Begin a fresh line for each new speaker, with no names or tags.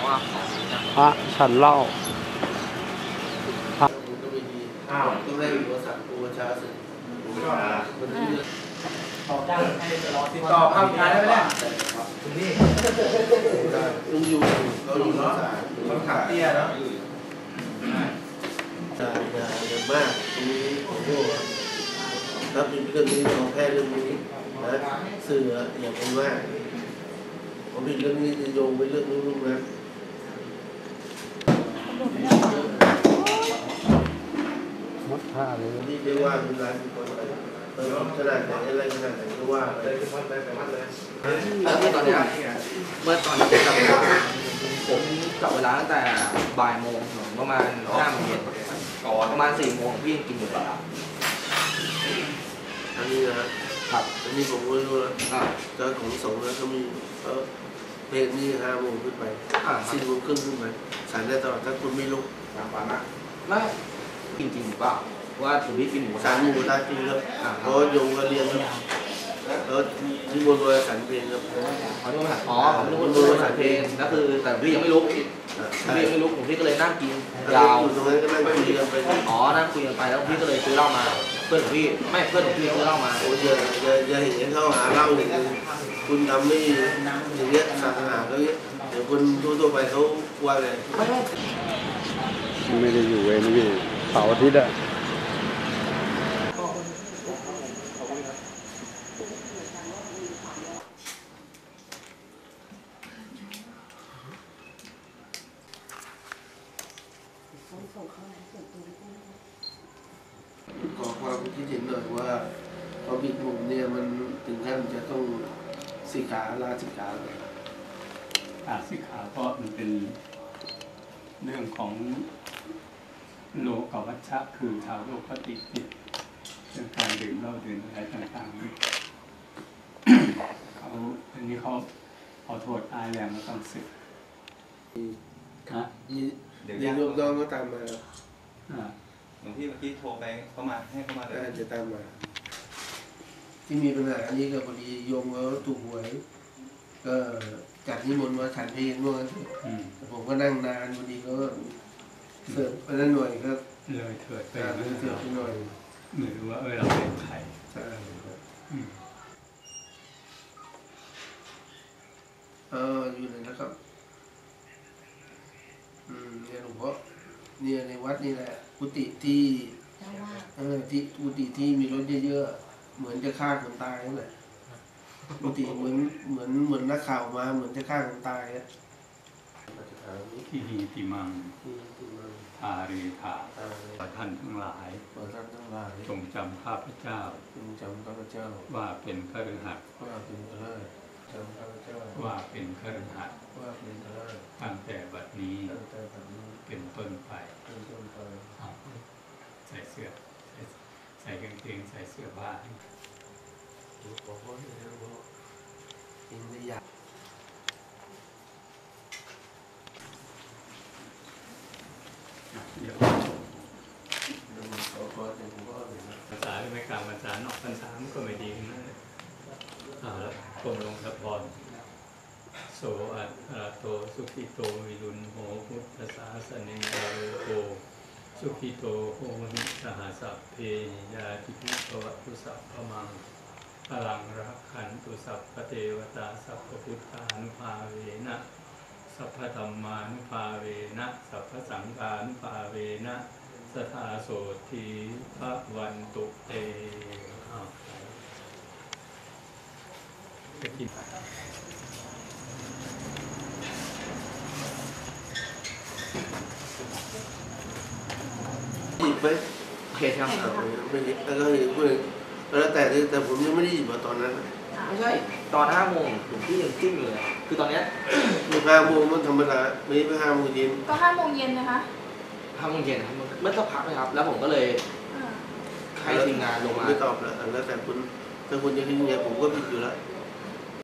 ว่า
พระฉันเหล้าพระ
ต้องได้อุปสรรคอุปชาสึก
ติดต่อภาพท้ายได้ไหมเนี่ยนี่
ลุงอยู่เราอยู่รักษา
เขาขับเตี้ยเนาะ
อย่ามากตรงนี้โอ้โหถ้าเป็นเรื่องนี้เราแพ้เรื่องนี้นะสื่ออย่าเป็นมากผมเป็นเรื่องนี้จะโยงไปเรื่องนู้นนะ
มัดผ้าเลย
ที่เรียกว่าเป็นร้านคนอะไรขนาดไหนอะไรขนาดไหนก็ว่าอะไรก็วัดได้แต่วัดเลย
เมื่อตอนนี้ผมกลับเวลาตั้งแต่บ่ายโมงถึงประมาณ5 โมงเย็นประมาณ4 โมงพี่กินอยู่แล้ว
อันนี้นะครับอันนี้ผมก็รู้แล้วก็ของสงฆ์แล้วเขามีเพลงนี้5 โมงขึ้นไป4 โมงครึ่งขึ้นไปฉันได้ตลอดถ้าคุณไม่ลุก
ไม่จริงหรือเปล่าว่าถึงพี่กินหมู
ฉันหมูตาจริงครับเพราะโยงก็เรียนครับแล้วที่บนโดยฉันเพลงครับ
เขาเรียกว่าอ๋อเขาเรียกว่าบนโดยฉันเพลงนั่นคือแต่พี่ยังไม่ลุกพี่ยังไม่ลุกผมพี่ก็เลยนั่งกินยาว
ตรงนั้นก็นั่งคุยกันไป
อ๋อนั่งคุยกันไปแล้วพี่ก็เลยซื้อเหล้ามาเพื่อนของพี่ไม่เพื่อนของพี่ซื้อเหล้ามา
โอ้ยอย่าเห็นเขาหาเหล้าอย่างนี้คุณทำไม่อย่างเงี้ยศาสนาเขาเงี้ยเดี๋ยวคนทั่วไปเขาว่าไง
ไม่ได้อยู่เวรนี่เสาร์อาทิตย์อะ
ขอความคิดเห็นหน่อยว่าพอบิดผมเนี่ยมันถึงขั้นจะต้องสิกขาลาสิกขาเลย
สิกขาเพราะมันเป็นเรื่องของโลกวัชชะคือชาวโลกปฏิปิฎเรื่องการดื่มเหล้าดื่มอะไรต่างๆเขาอันนี้เขาเอาโทษอายแรงมาต้องสึก
เดี๋ยวโยมน้องก็ตามมา
หลวงพี่เมื่อกี้โทรไปเข้ามาให้เข้ามาเลย
จะตามมาที่มีปัญหาอันนี้ก็พอดีโยมเขาถูกหวยก็จัดนิมนต์มาฉันเพลงเมื่อวันผมก็นั่งนานพอดีก็เสิร์ฟไปนั่นหน่อยครับ
เลยเถิดไป
เสิร์ฟไปหน่อย
เหมือนว่าเราเป็นใคร
ใช่อยู่ไหนนะครับเนี่ยหลวงพ่อเนี่ยในวัดนี่แหละกุฏิที่ที่กุฏิที่มีรถเยอะๆเหมือนจะฆ่าคนตายนั่นแหละกุฏิเหมือนนักข่าวมาเหมือนจะฆ่าคนตายอ่ะ
ที่หีติมังทาเรธาท่านทั้งหลายจงจำข้าพเจ้าว่าเป็นคฤหัสถ์ว่าเป็นคฤหัสถ์ตั้งแต่บัดนี้เป็นต้นไปใส่เสื้อใส่กางเกงใส่เสื้อผ้าภาษาไม่กลางภาษานอกภาษาก็ไม่ดีนะแล้วกรมลงสะพรโสอัตระโตสุขิโตวิรุณโหพุทธศาสนิโกสุขิโตโหหิสหสัพเพยาติภิภวตุสัพพมังพลังรักขันตุสัพพเทวตาสัพพพุทธานุภาเวนะสัพพธัมมานุภาเวนะสัพพสังฆานุภาเวนะสทาโสทีพระวันตุเตไปกิน
หยิบไหม
โอเคครับ
ไม่หยิบแล้วก็หยิบด้วยแล้วแต่ผมยังไม่ได้หยิบมาตอนนั้น
ไม่ใช่ตอน5 โมงถึงที่ยังจิ้มอยู่เลยคือตอนเนี้ย
5 โมงมันธรรมดาไม่ไป5 โมงเย็น
ก็5 โมงเย็นนะคะ
5 โมงเย็นครับเมื่อสักพักนะครับแล้วผมก็เลยให้ทีมงานลงมา
ไม่ตอบแล้วแต่คุณถ้าคุณจะทิ้งเงี้ยผมก็ผิดอยู่แล้ว